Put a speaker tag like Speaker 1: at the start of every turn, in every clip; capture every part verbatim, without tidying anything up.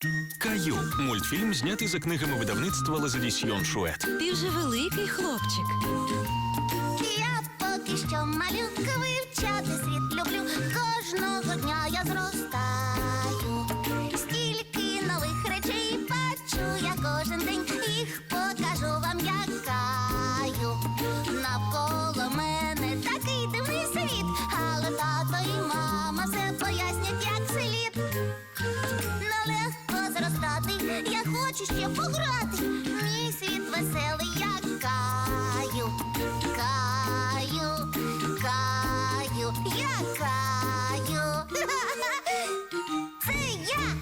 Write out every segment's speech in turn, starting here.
Speaker 1: Каю. Мультфільм знятий за книгами видавництва Лазадісьйон Шует.
Speaker 2: Ти вже великий хлопчик.
Speaker 3: Я поки що малюка, вивчати світ люблю. Кожного дня я зростаю. Стільки нових речей бачу я кожен день. Їх покажу вам, як Каю. Навколо мене такий дивний світ, але тато і мама все пояснять, як слід. Нелегко зростати, я хочу ще пограти. Мій світ веселий, як Каю. Каю, Каю, я Каю. Це я.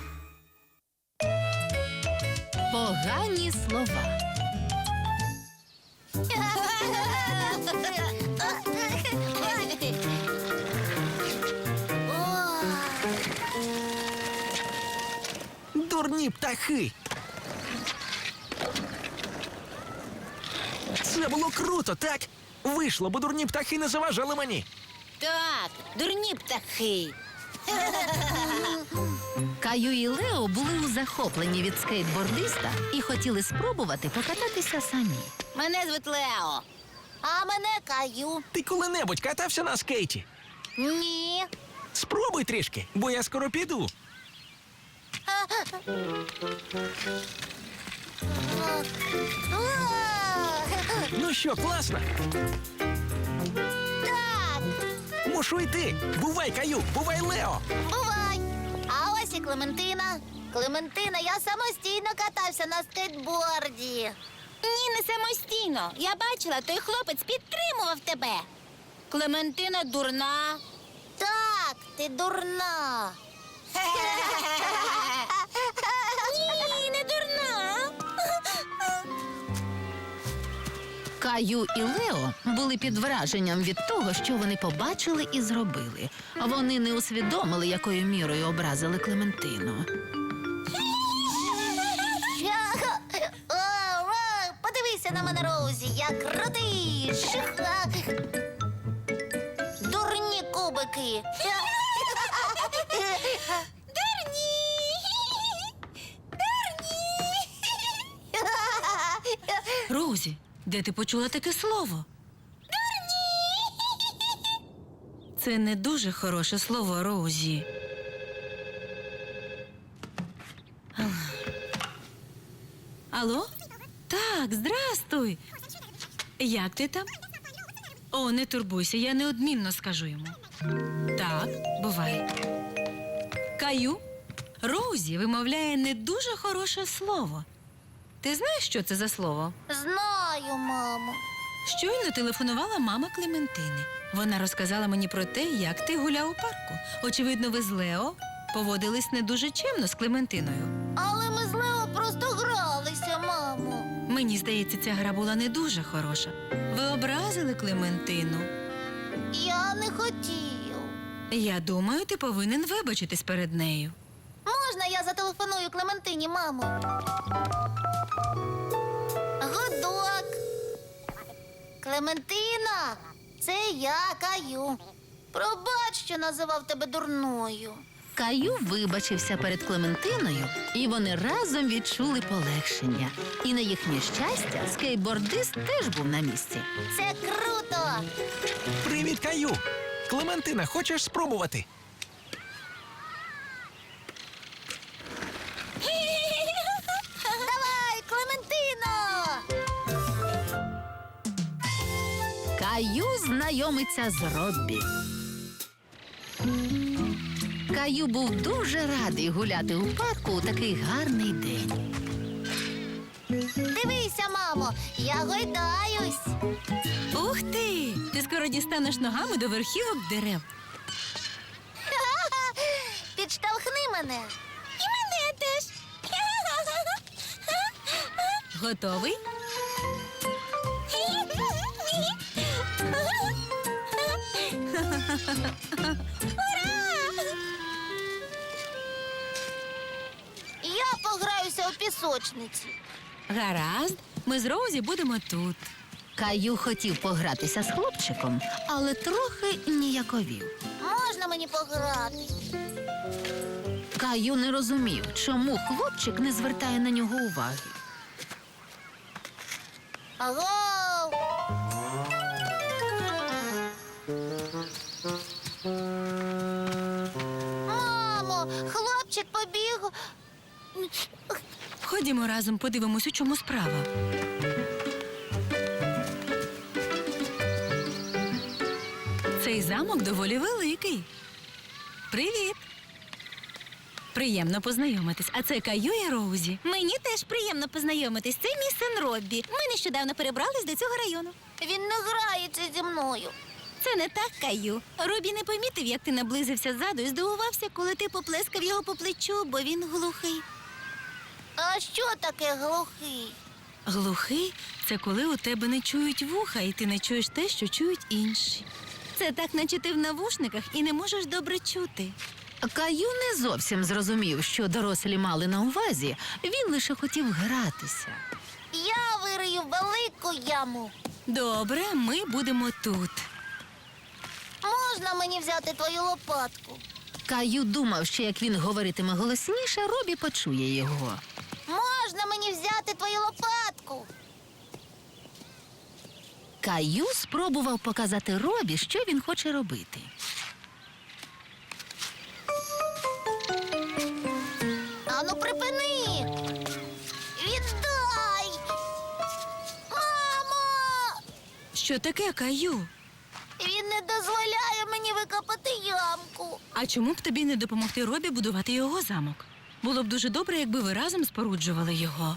Speaker 2: Погані слова.
Speaker 4: Дурні птахи! Це було круто, так? Вийшло, бо дурні птахи не заважали мені.
Speaker 5: Так, дурні птахи.
Speaker 2: Каю і Лео були у захопленні від скейтбордиста і хотіли спробувати покататися самі.
Speaker 5: Мене звуть Лео.
Speaker 3: А мене Каю.
Speaker 4: Ти коли-небудь катався на скейті?
Speaker 3: Ні.
Speaker 4: Спробуй трішки, бо я скоро піду. Ну що, класно?
Speaker 3: Так,
Speaker 4: Мушу йти. Бувай, Каю, бувай, Лео.
Speaker 3: бувай. А ось і Клементина. Клементина, я самостійно катався на скейтборді.
Speaker 5: Ні, не самостійно. Я бачила, той хлопець підтримував тебе. Клементина дурна.
Speaker 3: Так, ти дурна.
Speaker 5: Ні, не дурна.
Speaker 2: Каю і Лео були під враженням від того, що вони побачили і зробили. Вони не усвідомили, якою мірою образили Клементину.
Speaker 3: Я- О, о, подивися на мене, Роузі, я крутий. Ших. Дурні кубики.
Speaker 5: Дурні.
Speaker 2: Розі, де ти почула таке слово? Це не дуже хороше слово, Розі. Алло? Так, здрастуй. Як ти там? О, не турбуйся, я неодмінно скажу йому. Так, бувай. Каю, Розі вимовляє не дуже хороше слово. Ти знаєш, що це за слово?
Speaker 3: Знаю, мамо.
Speaker 2: Щойно телефонувала мама Клементини. Вона розказала мені про те, як ти гуляв у парку. Очевидно, ви з Лео поводились не дуже чемно з Клементиною.
Speaker 3: Але ми з Лео просто гралися, мамо.
Speaker 2: Мені здається, ця гра була не дуже хороша. Ви образили Клементину.
Speaker 3: Я не хотів.
Speaker 2: Я думаю, ти повинен вибачитись перед нею.
Speaker 3: Можна я зателефоную Клементині, мамо? Гудок. Клементина, це я, Каю. Пробач, що називав тебе дурною.
Speaker 2: Каю вибачився перед Клементиною, і вони разом відчули полегшення. І на їхнє щастя, скейтбордист теж був на місці.
Speaker 3: Це круто.
Speaker 4: Привіт, Каю. Клементина, хочеш спробувати?
Speaker 3: Давай, Клементино!
Speaker 2: Каю знайомиться з Роббі. Каю був дуже радий гуляти у парку у такий гарний день.
Speaker 3: Дивися, мамо, я гойдаюсь.
Speaker 2: Ух ти! Ти скоро дістанеш ногами до верхівок дерев.
Speaker 3: Підштовхни мене.
Speaker 5: І мене теж.
Speaker 2: Готовий?
Speaker 3: Я пограюся у пісочниці.
Speaker 2: Гаразд, ми з Розі будемо тут. Каю хотів погратися з хлопчиком, але трохи ніяковів.
Speaker 3: Можна мені пограти?
Speaker 6: Каю не розумів, чому хлопчик не звертає на нього уваги.
Speaker 3: Аго! Мамо, хлопчик побіг.
Speaker 2: Ходімо разом, подивимось, у чому справа. Цей замок доволі великий. Привіт. Приємно познайомитись. А це Каю і Роузі.
Speaker 5: Мені теж приємно познайомитись. Це мій син Роббі. Ми нещодавно перебрались до цього району.
Speaker 3: Він не грається зі мною.
Speaker 5: Це не так, Каю. Робі не помітив, як ти наблизився ззаду і здивувався, коли ти поплескав його по плечу, бо він глухий.
Speaker 3: А що таке глухий?
Speaker 2: Глухий – це коли у тебе не чують вуха, і ти не чуєш те, що чують інші.
Speaker 5: Це так, наче ти в навушниках і не можеш добре чути.
Speaker 6: Каю не зовсім зрозумів, що дорослі мали на увазі. Він лише хотів гратися.
Speaker 3: Я вирию велику яму.
Speaker 2: Добре, ми будемо тут.
Speaker 3: Можна мені взяти твою лопатку?
Speaker 6: Каю думав, що як він говоритиме голосніше, Робі почує його.
Speaker 3: Можна мені взяти твою лопатку?
Speaker 6: Каю спробував показати Робі, що він хоче робити.
Speaker 3: Ану, припини! Віддай! Мамо!
Speaker 2: Що таке, Каю?
Speaker 3: Він не дозволяє мені викопати ямку.
Speaker 2: А чому б тобі не допомогти Робі будувати його замок? Було б дуже добре, якби ви разом споруджували його.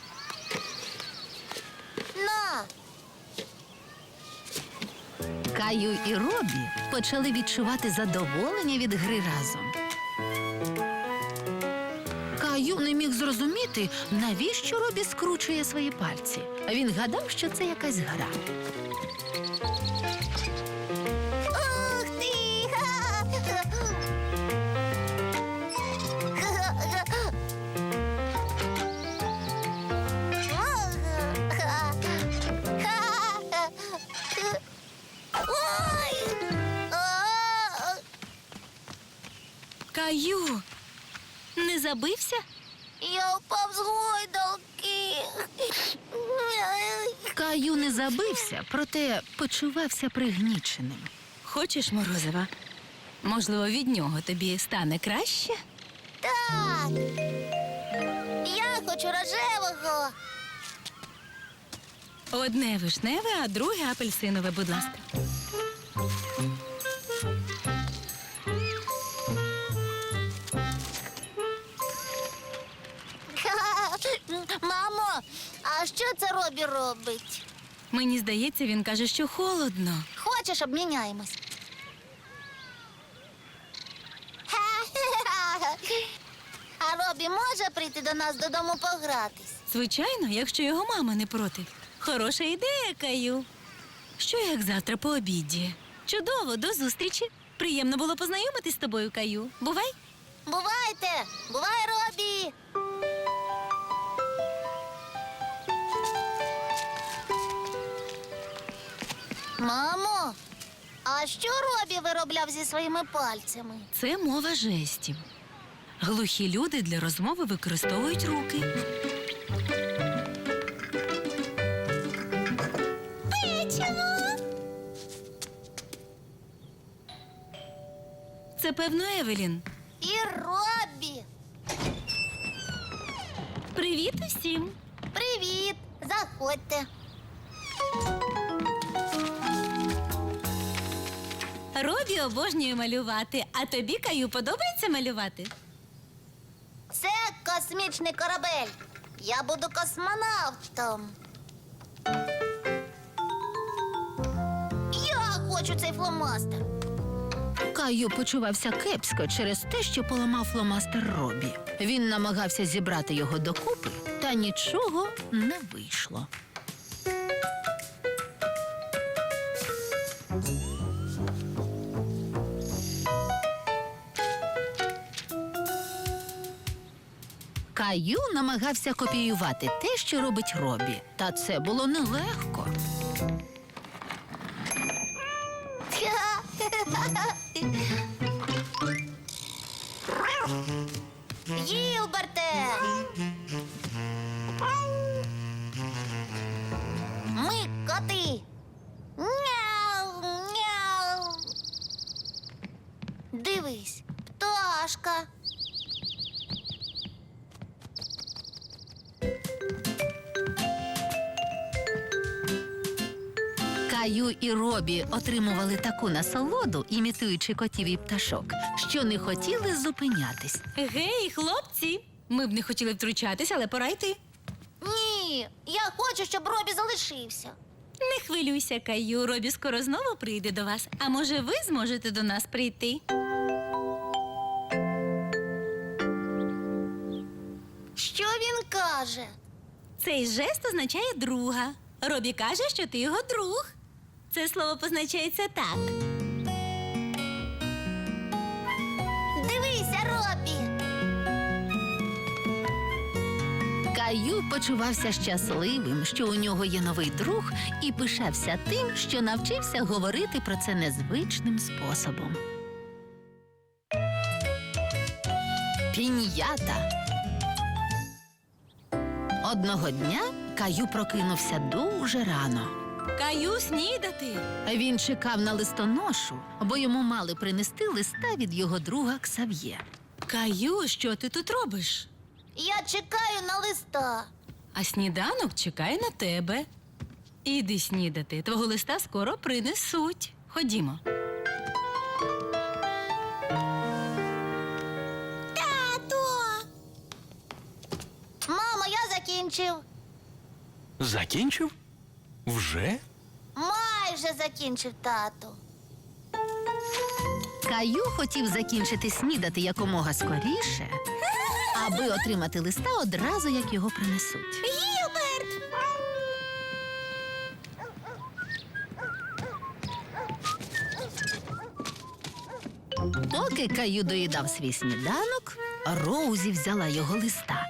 Speaker 3: На!
Speaker 6: Каю і Робі почали відчувати задоволення від гри разом. Каю не міг зрозуміти, навіщо Робі скручує свої пальці. Він гадав, що це якась гра.
Speaker 3: Ух ти! Ой! А!
Speaker 2: Каю, не забився?
Speaker 3: Я впав з гойдалки.
Speaker 6: Каю не забився, проте почувався пригніченим.
Speaker 2: Хочеш морозива? Можливо, від нього тобі стане краще?
Speaker 3: Так. Я хочу рожевого.
Speaker 2: Одне вишневе, а друге апельсинове, будь ласка.
Speaker 3: Мамо, а що це Робі робить?
Speaker 2: Мені здається, він каже, що холодно.
Speaker 3: Хочеш, обміняємось? А Робі може прийти до нас додому погратись?
Speaker 2: Звичайно, якщо його мама не проти.
Speaker 5: Хороша ідея, Каю.
Speaker 2: Що як завтра по обіді?
Speaker 5: Чудово, до зустрічі. Приємно було познайомитись з тобою, Каю. Бувай.
Speaker 3: Бувайте! Бувай, Робі! Мамо, а що Робі виробляв зі своїми пальцями?
Speaker 2: Це мова жестів. Глухі люди для розмови використовують руки. Це, певно, Евелін.
Speaker 3: І Робі!
Speaker 5: Привіт усім.
Speaker 3: Привіт! Заходьте.
Speaker 5: Робі обожнює малювати. А тобі, Каю, подобається малювати?
Speaker 3: Це космічний корабель. Я буду космонавтом. Я хочу цей фломастер.
Speaker 6: Каю почувався кепсько через те, що поламав фломастер Робі. Він намагався зібрати його докупи, та нічого не вийшло. Каю намагався копіювати те, що робить Робі, та це було нелегко.
Speaker 3: Гілберте! Ми коти. Мяу, мяу. Дивись, пташка.
Speaker 6: Каю і Робі отримували таку насолоду, імітуючи котів і пташок, що не хотіли зупинятись.
Speaker 2: Гей, хлопці! Ми б не хотіли втручатись, але пора йти.
Speaker 3: Ні, я хочу, щоб Робі залишився.
Speaker 2: Не хвилюйся, Каю. Робі скоро знову прийде до вас. А може, ви зможете до нас прийти?
Speaker 3: Що він каже?
Speaker 2: Цей жест означає друга. Робі каже, що ти його друг. Це слово позначається так.
Speaker 3: Дивися, Робі.
Speaker 6: Каю почувався щасливим, що у нього є новий друг, і пишався тим, що навчився говорити про це незвичним способом. Піньята. Одного дня Каю прокинувся дуже рано.
Speaker 2: Каю, снідати.
Speaker 6: Він чекав на листоношу, бо йому мали принести листа від його друга Ксав'є.
Speaker 2: Каю, що ти тут робиш?
Speaker 3: Я чекаю на листа.
Speaker 2: А сніданок чекає на тебе. Іди снідати. Твого листа скоро принесуть. Ходімо.
Speaker 3: Тато! Мамо, я закінчив.
Speaker 1: Закінчив? Вже?
Speaker 3: Майже закінчив, тату.
Speaker 6: Каю хотів закінчити снідати якомога скоріше, аби отримати листа одразу, як його принесуть.
Speaker 3: Гілберт!
Speaker 6: Поки Каю доїдав свій сніданок, Роузі взяла його листа.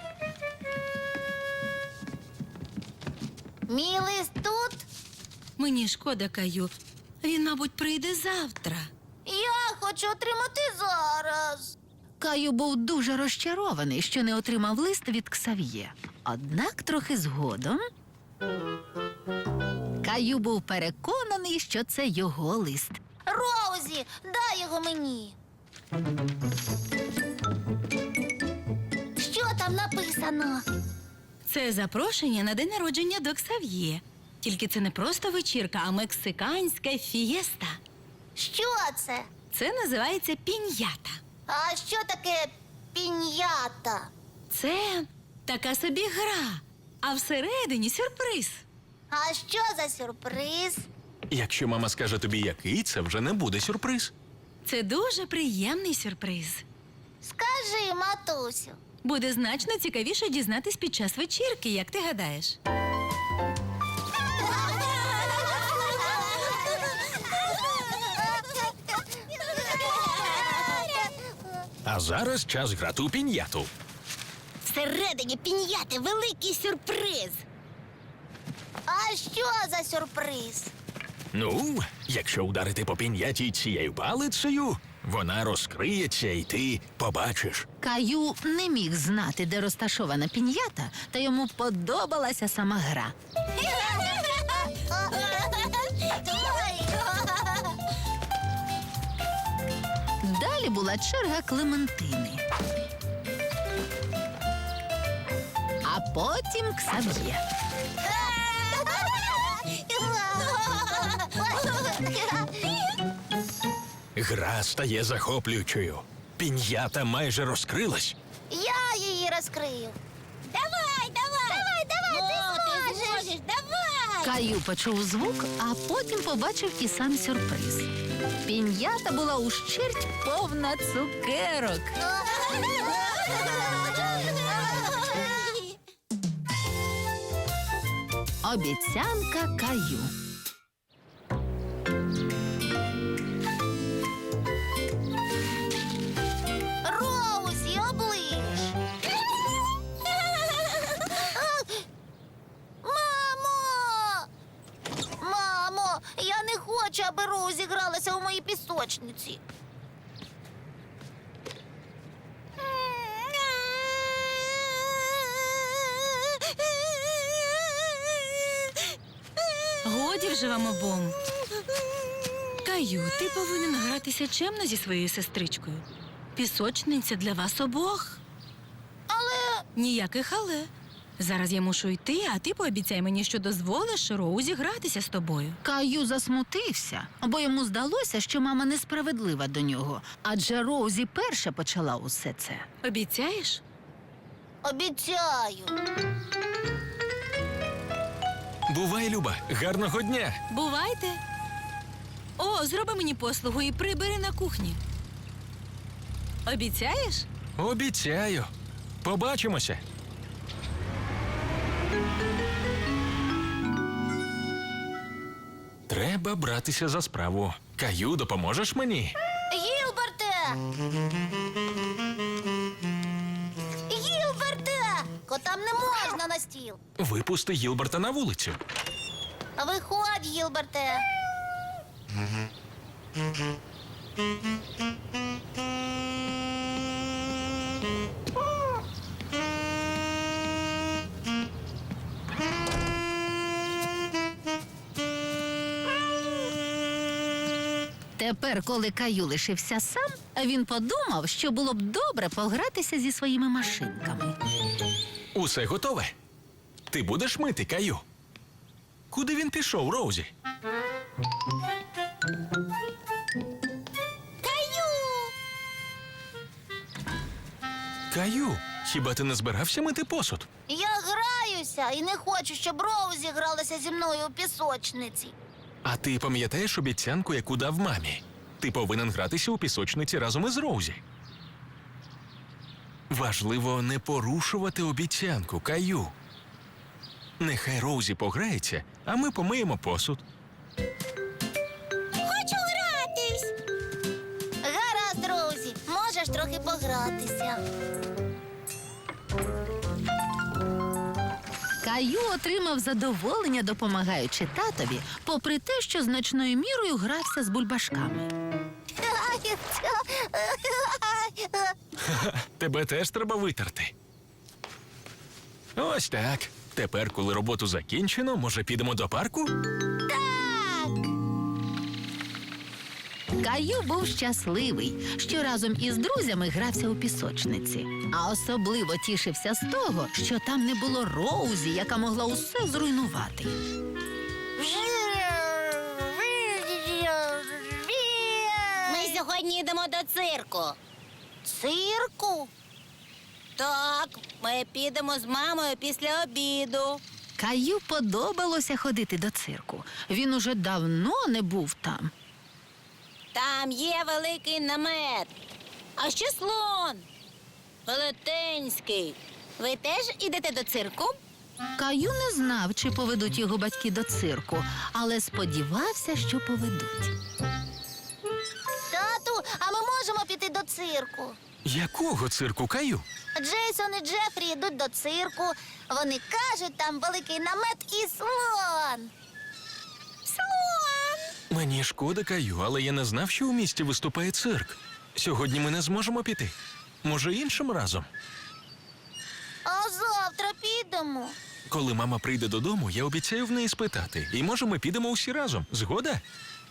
Speaker 3: Мій лист тут.
Speaker 2: Мені шкода, Каю. Він, мабуть, прийде завтра.
Speaker 3: Я хочу отримати зараз.
Speaker 6: Каю був дуже розчарований, що не отримав лист від Ксав'є. Однак трохи згодом Каю був переконаний, що це його лист.
Speaker 3: Роузі, дай його мені. Що там написано?
Speaker 2: Це запрошення на день народження до Ксав'є. Тільки це не просто вечірка, а мексиканська фієста.
Speaker 3: Що це?
Speaker 2: Це називається піньята.
Speaker 3: А що таке піньята?
Speaker 2: Це така собі гра, а всередині сюрприз.
Speaker 3: А що за сюрприз?
Speaker 1: Якщо мама скаже тобі, який, це вже не буде сюрприз.
Speaker 2: Це дуже приємний сюрприз.
Speaker 3: Скажи, матусю.
Speaker 2: Буде значно цікавіше дізнатись під час вечірки, як ти гадаєш.
Speaker 1: А зараз час грати у піньяту.
Speaker 3: Всередині піньяти великий сюрприз. А що за сюрприз?
Speaker 1: Ну, якщо ударити по піньяті цією палицею, вона розкриється і ти побачиш.
Speaker 6: Каю не міг знати, де розташована піньята, та йому подобалася сама гра. Далі була черга Клементини. А потім Ксав'є.
Speaker 1: Гра стає захоплюючою. Піньята майже розкрилась.
Speaker 3: Я її розкрию. Давай, давай! Давай, давай, ти зможеш! Давай!
Speaker 6: Каю почув звук, а потім побачив і сам сюрприз. Піньята була ущерть повна цукерок. Обіцянка Каю.
Speaker 3: Роузі, оближ! Мамо! Мамо, я не хочу, аби Роузі гралася у моїй пісочниці.
Speaker 2: годі вже вам обом. Каю, ти повинен гратися чемно зі своєю сестричкою. Пісочниця для вас обох.
Speaker 3: Але
Speaker 2: Ніяких але. Зараз я мушу йти, а ти пообіцяй мені, що дозволиш Роузі гратися з тобою.
Speaker 6: Каю засмутився, бо йому здалося, що мама несправедлива до нього, адже Роузі перша почала усе це.
Speaker 2: Обіцяєш?
Speaker 3: обіцяю.
Speaker 1: Бувай, Люба, гарного дня.
Speaker 2: Бувайте. О, зроби мені послугу і прибери на кухні. Обіцяєш?
Speaker 1: Обіцяю. Побачимося. Треба братися за справу. Каю, допоможеш мені?
Speaker 3: Гілберте! Гілберте! Котам не можна на стіл.
Speaker 1: Випусти Гілберта на вулицю.
Speaker 3: Виходь, Гілберте.
Speaker 6: Тепер, коли Каю лишився сам, він подумав, що було б добре погратися зі своїми машинками.
Speaker 1: Усе готове. Ти будеш мити, Каю? Куди він пішов, Роузі?
Speaker 3: Каю!
Speaker 1: Каю, хіба ти не збирався мити посуд?
Speaker 3: Я граюся і не хочу, щоб Роузі гралася зі мною у пісочниці.
Speaker 1: А ти пам'ятаєш обіцянку, яку дав мамі? Ти повинен гратися у пісочниці разом із Роузі. Важливо не порушувати обіцянку, Каю. Нехай Роузі пограється, а ми помиємо посуд.
Speaker 3: Хочу гратись. Гаразд, Роузі, можеш трохи погратися.
Speaker 6: Каю отримав задоволення, допомагаючи татові, попри те, що значною мірою грався з бульбашками.
Speaker 1: Тебе теж треба витерти. Ось так. Тепер, коли роботу закінчено, може підемо до парку?
Speaker 6: Каю був щасливий, що разом із друзями грався у пісочниці. А особливо тішився з того, що там не було Роузі, яка могла усе зруйнувати.
Speaker 3: Ми сьогодні йдемо до цирку. Цирку?
Speaker 5: Так, ми підемо з мамою після обіду.
Speaker 6: Каю подобалося ходити до цирку. Він уже давно не був там.
Speaker 5: Там є великий намет. А ще слон. Велетенський. Ви теж ідете до цирку?
Speaker 6: Каю не знав, чи поведуть його батьки до цирку, але сподівався, що поведуть.
Speaker 3: Тату, а ми можемо піти до цирку?
Speaker 1: Якого цирку, Каю?
Speaker 3: Джейсон і Джефрі йдуть до цирку. Вони кажуть, там великий намет і слон. Слон!
Speaker 1: Мені шкода, Каю, але я не знав, що у місті виступає цирк. Сьогодні ми не зможемо піти. Може, іншим разом?
Speaker 3: А завтра підемо.
Speaker 1: Коли мама прийде додому, я обіцяю в неї спитати. І може, ми підемо усі разом. Згода?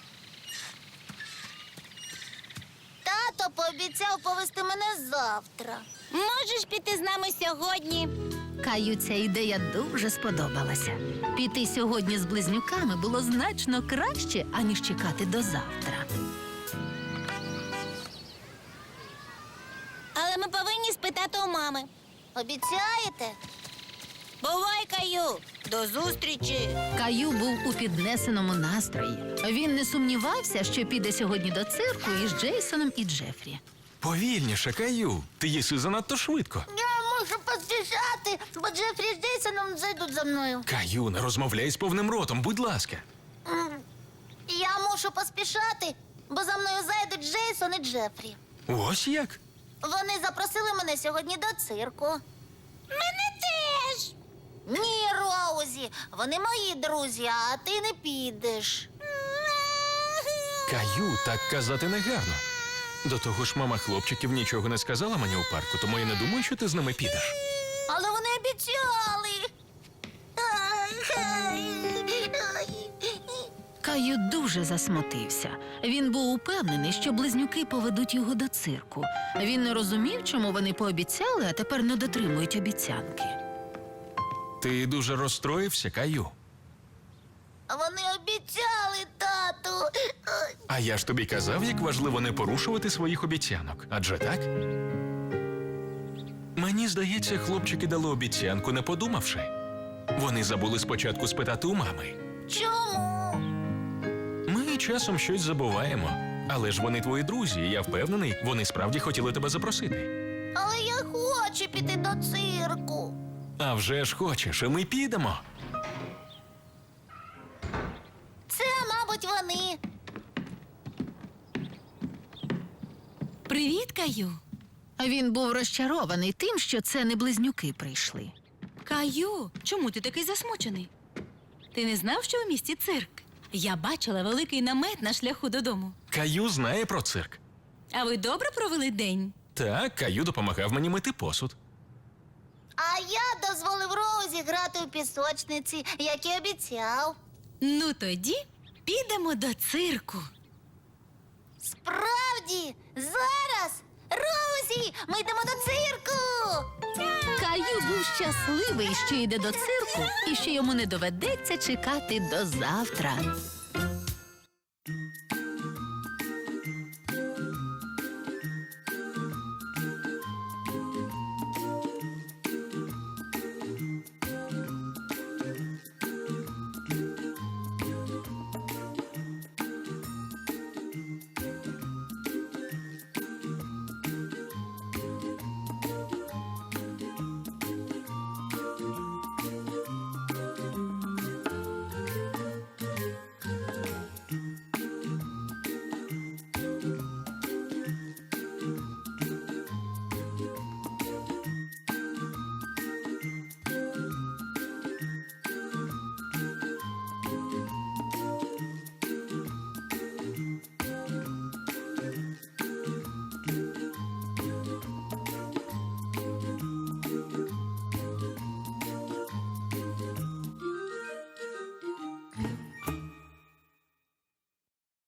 Speaker 3: Тато пообіцяв повести мене завтра.
Speaker 5: Можеш піти з нами сьогодні?
Speaker 6: Каю ця ідея дуже сподобалася. Піти сьогодні з близнюками було значно краще, аніж чекати до завтра.
Speaker 5: Але ми повинні спитати у мами.
Speaker 3: Обіцяєте?
Speaker 5: Бувай, Каю! До зустрічі!
Speaker 6: Каю був у піднесеному настрої. Він не сумнівався, що піде сьогодні до цирку із Джейсоном і Джефрі.
Speaker 1: Повільніше, Каю. Ти їси занадто швидко.
Speaker 3: Я мушу поспішати, бо Джефрі з Джейсоном зайдуть за мною.
Speaker 1: Каю, не розмовляй з повним ротом, будь ласка.
Speaker 3: М, Я мушу поспішати, бо за мною зайдуть Джейсон і Джефрі.
Speaker 1: Ось як?
Speaker 3: Вони запросили мене сьогодні до цирку.
Speaker 5: Мене теж!
Speaker 3: Ні, Роузі, вони мої друзі, а ти не підеш.
Speaker 1: Каю, так казати не гарно. До того ж, мама хлопчиків нічого не сказала мені у парку, тому я не думаю, що ти з ними підеш.
Speaker 3: Але вони обіцяли.
Speaker 6: Каю дуже засмутився. Він був упевнений, що близнюки поведуть його до цирку. Він не розумів, чому вони пообіцяли, а тепер не дотримують обіцянки.
Speaker 1: Ти дуже розстроївся, Каю.
Speaker 3: Вони обіцяли, тату.
Speaker 1: А я ж тобі казав, як важливо не порушувати своїх обіцянок. Адже так? Мені здається, хлопчики дали обіцянку, не подумавши. Вони забули спочатку спитати у мами.
Speaker 3: Чому?
Speaker 1: Ми часом щось забуваємо. Але ж вони твої друзі, і я впевнений, вони справді хотіли тебе запросити.
Speaker 3: Але я хочу піти до цирку.
Speaker 1: А вже ж хочеш, і ми підемо.
Speaker 3: Це, мабуть, вони.
Speaker 2: Привіт, Каю.
Speaker 6: А він був розчарований тим, що це не близнюки прийшли.
Speaker 2: Каю, чому ти такий засмучений? Ти не знав, що у місті цирк? Я бачила великий намет на шляху додому.
Speaker 1: Каю знає про цирк.
Speaker 2: А ви добре провели день?
Speaker 1: Так, Каю допомагав мені мити посуд.
Speaker 3: А я дозволив Роузі грати у пісочниці, як і обіцяв.
Speaker 2: Ну тоді підемо до цирку.
Speaker 3: Справді, зараз! Роузі, ми йдемо до цирку!
Speaker 6: Каю був щасливий, що йде до цирку і що йому не доведеться чекати до завтра.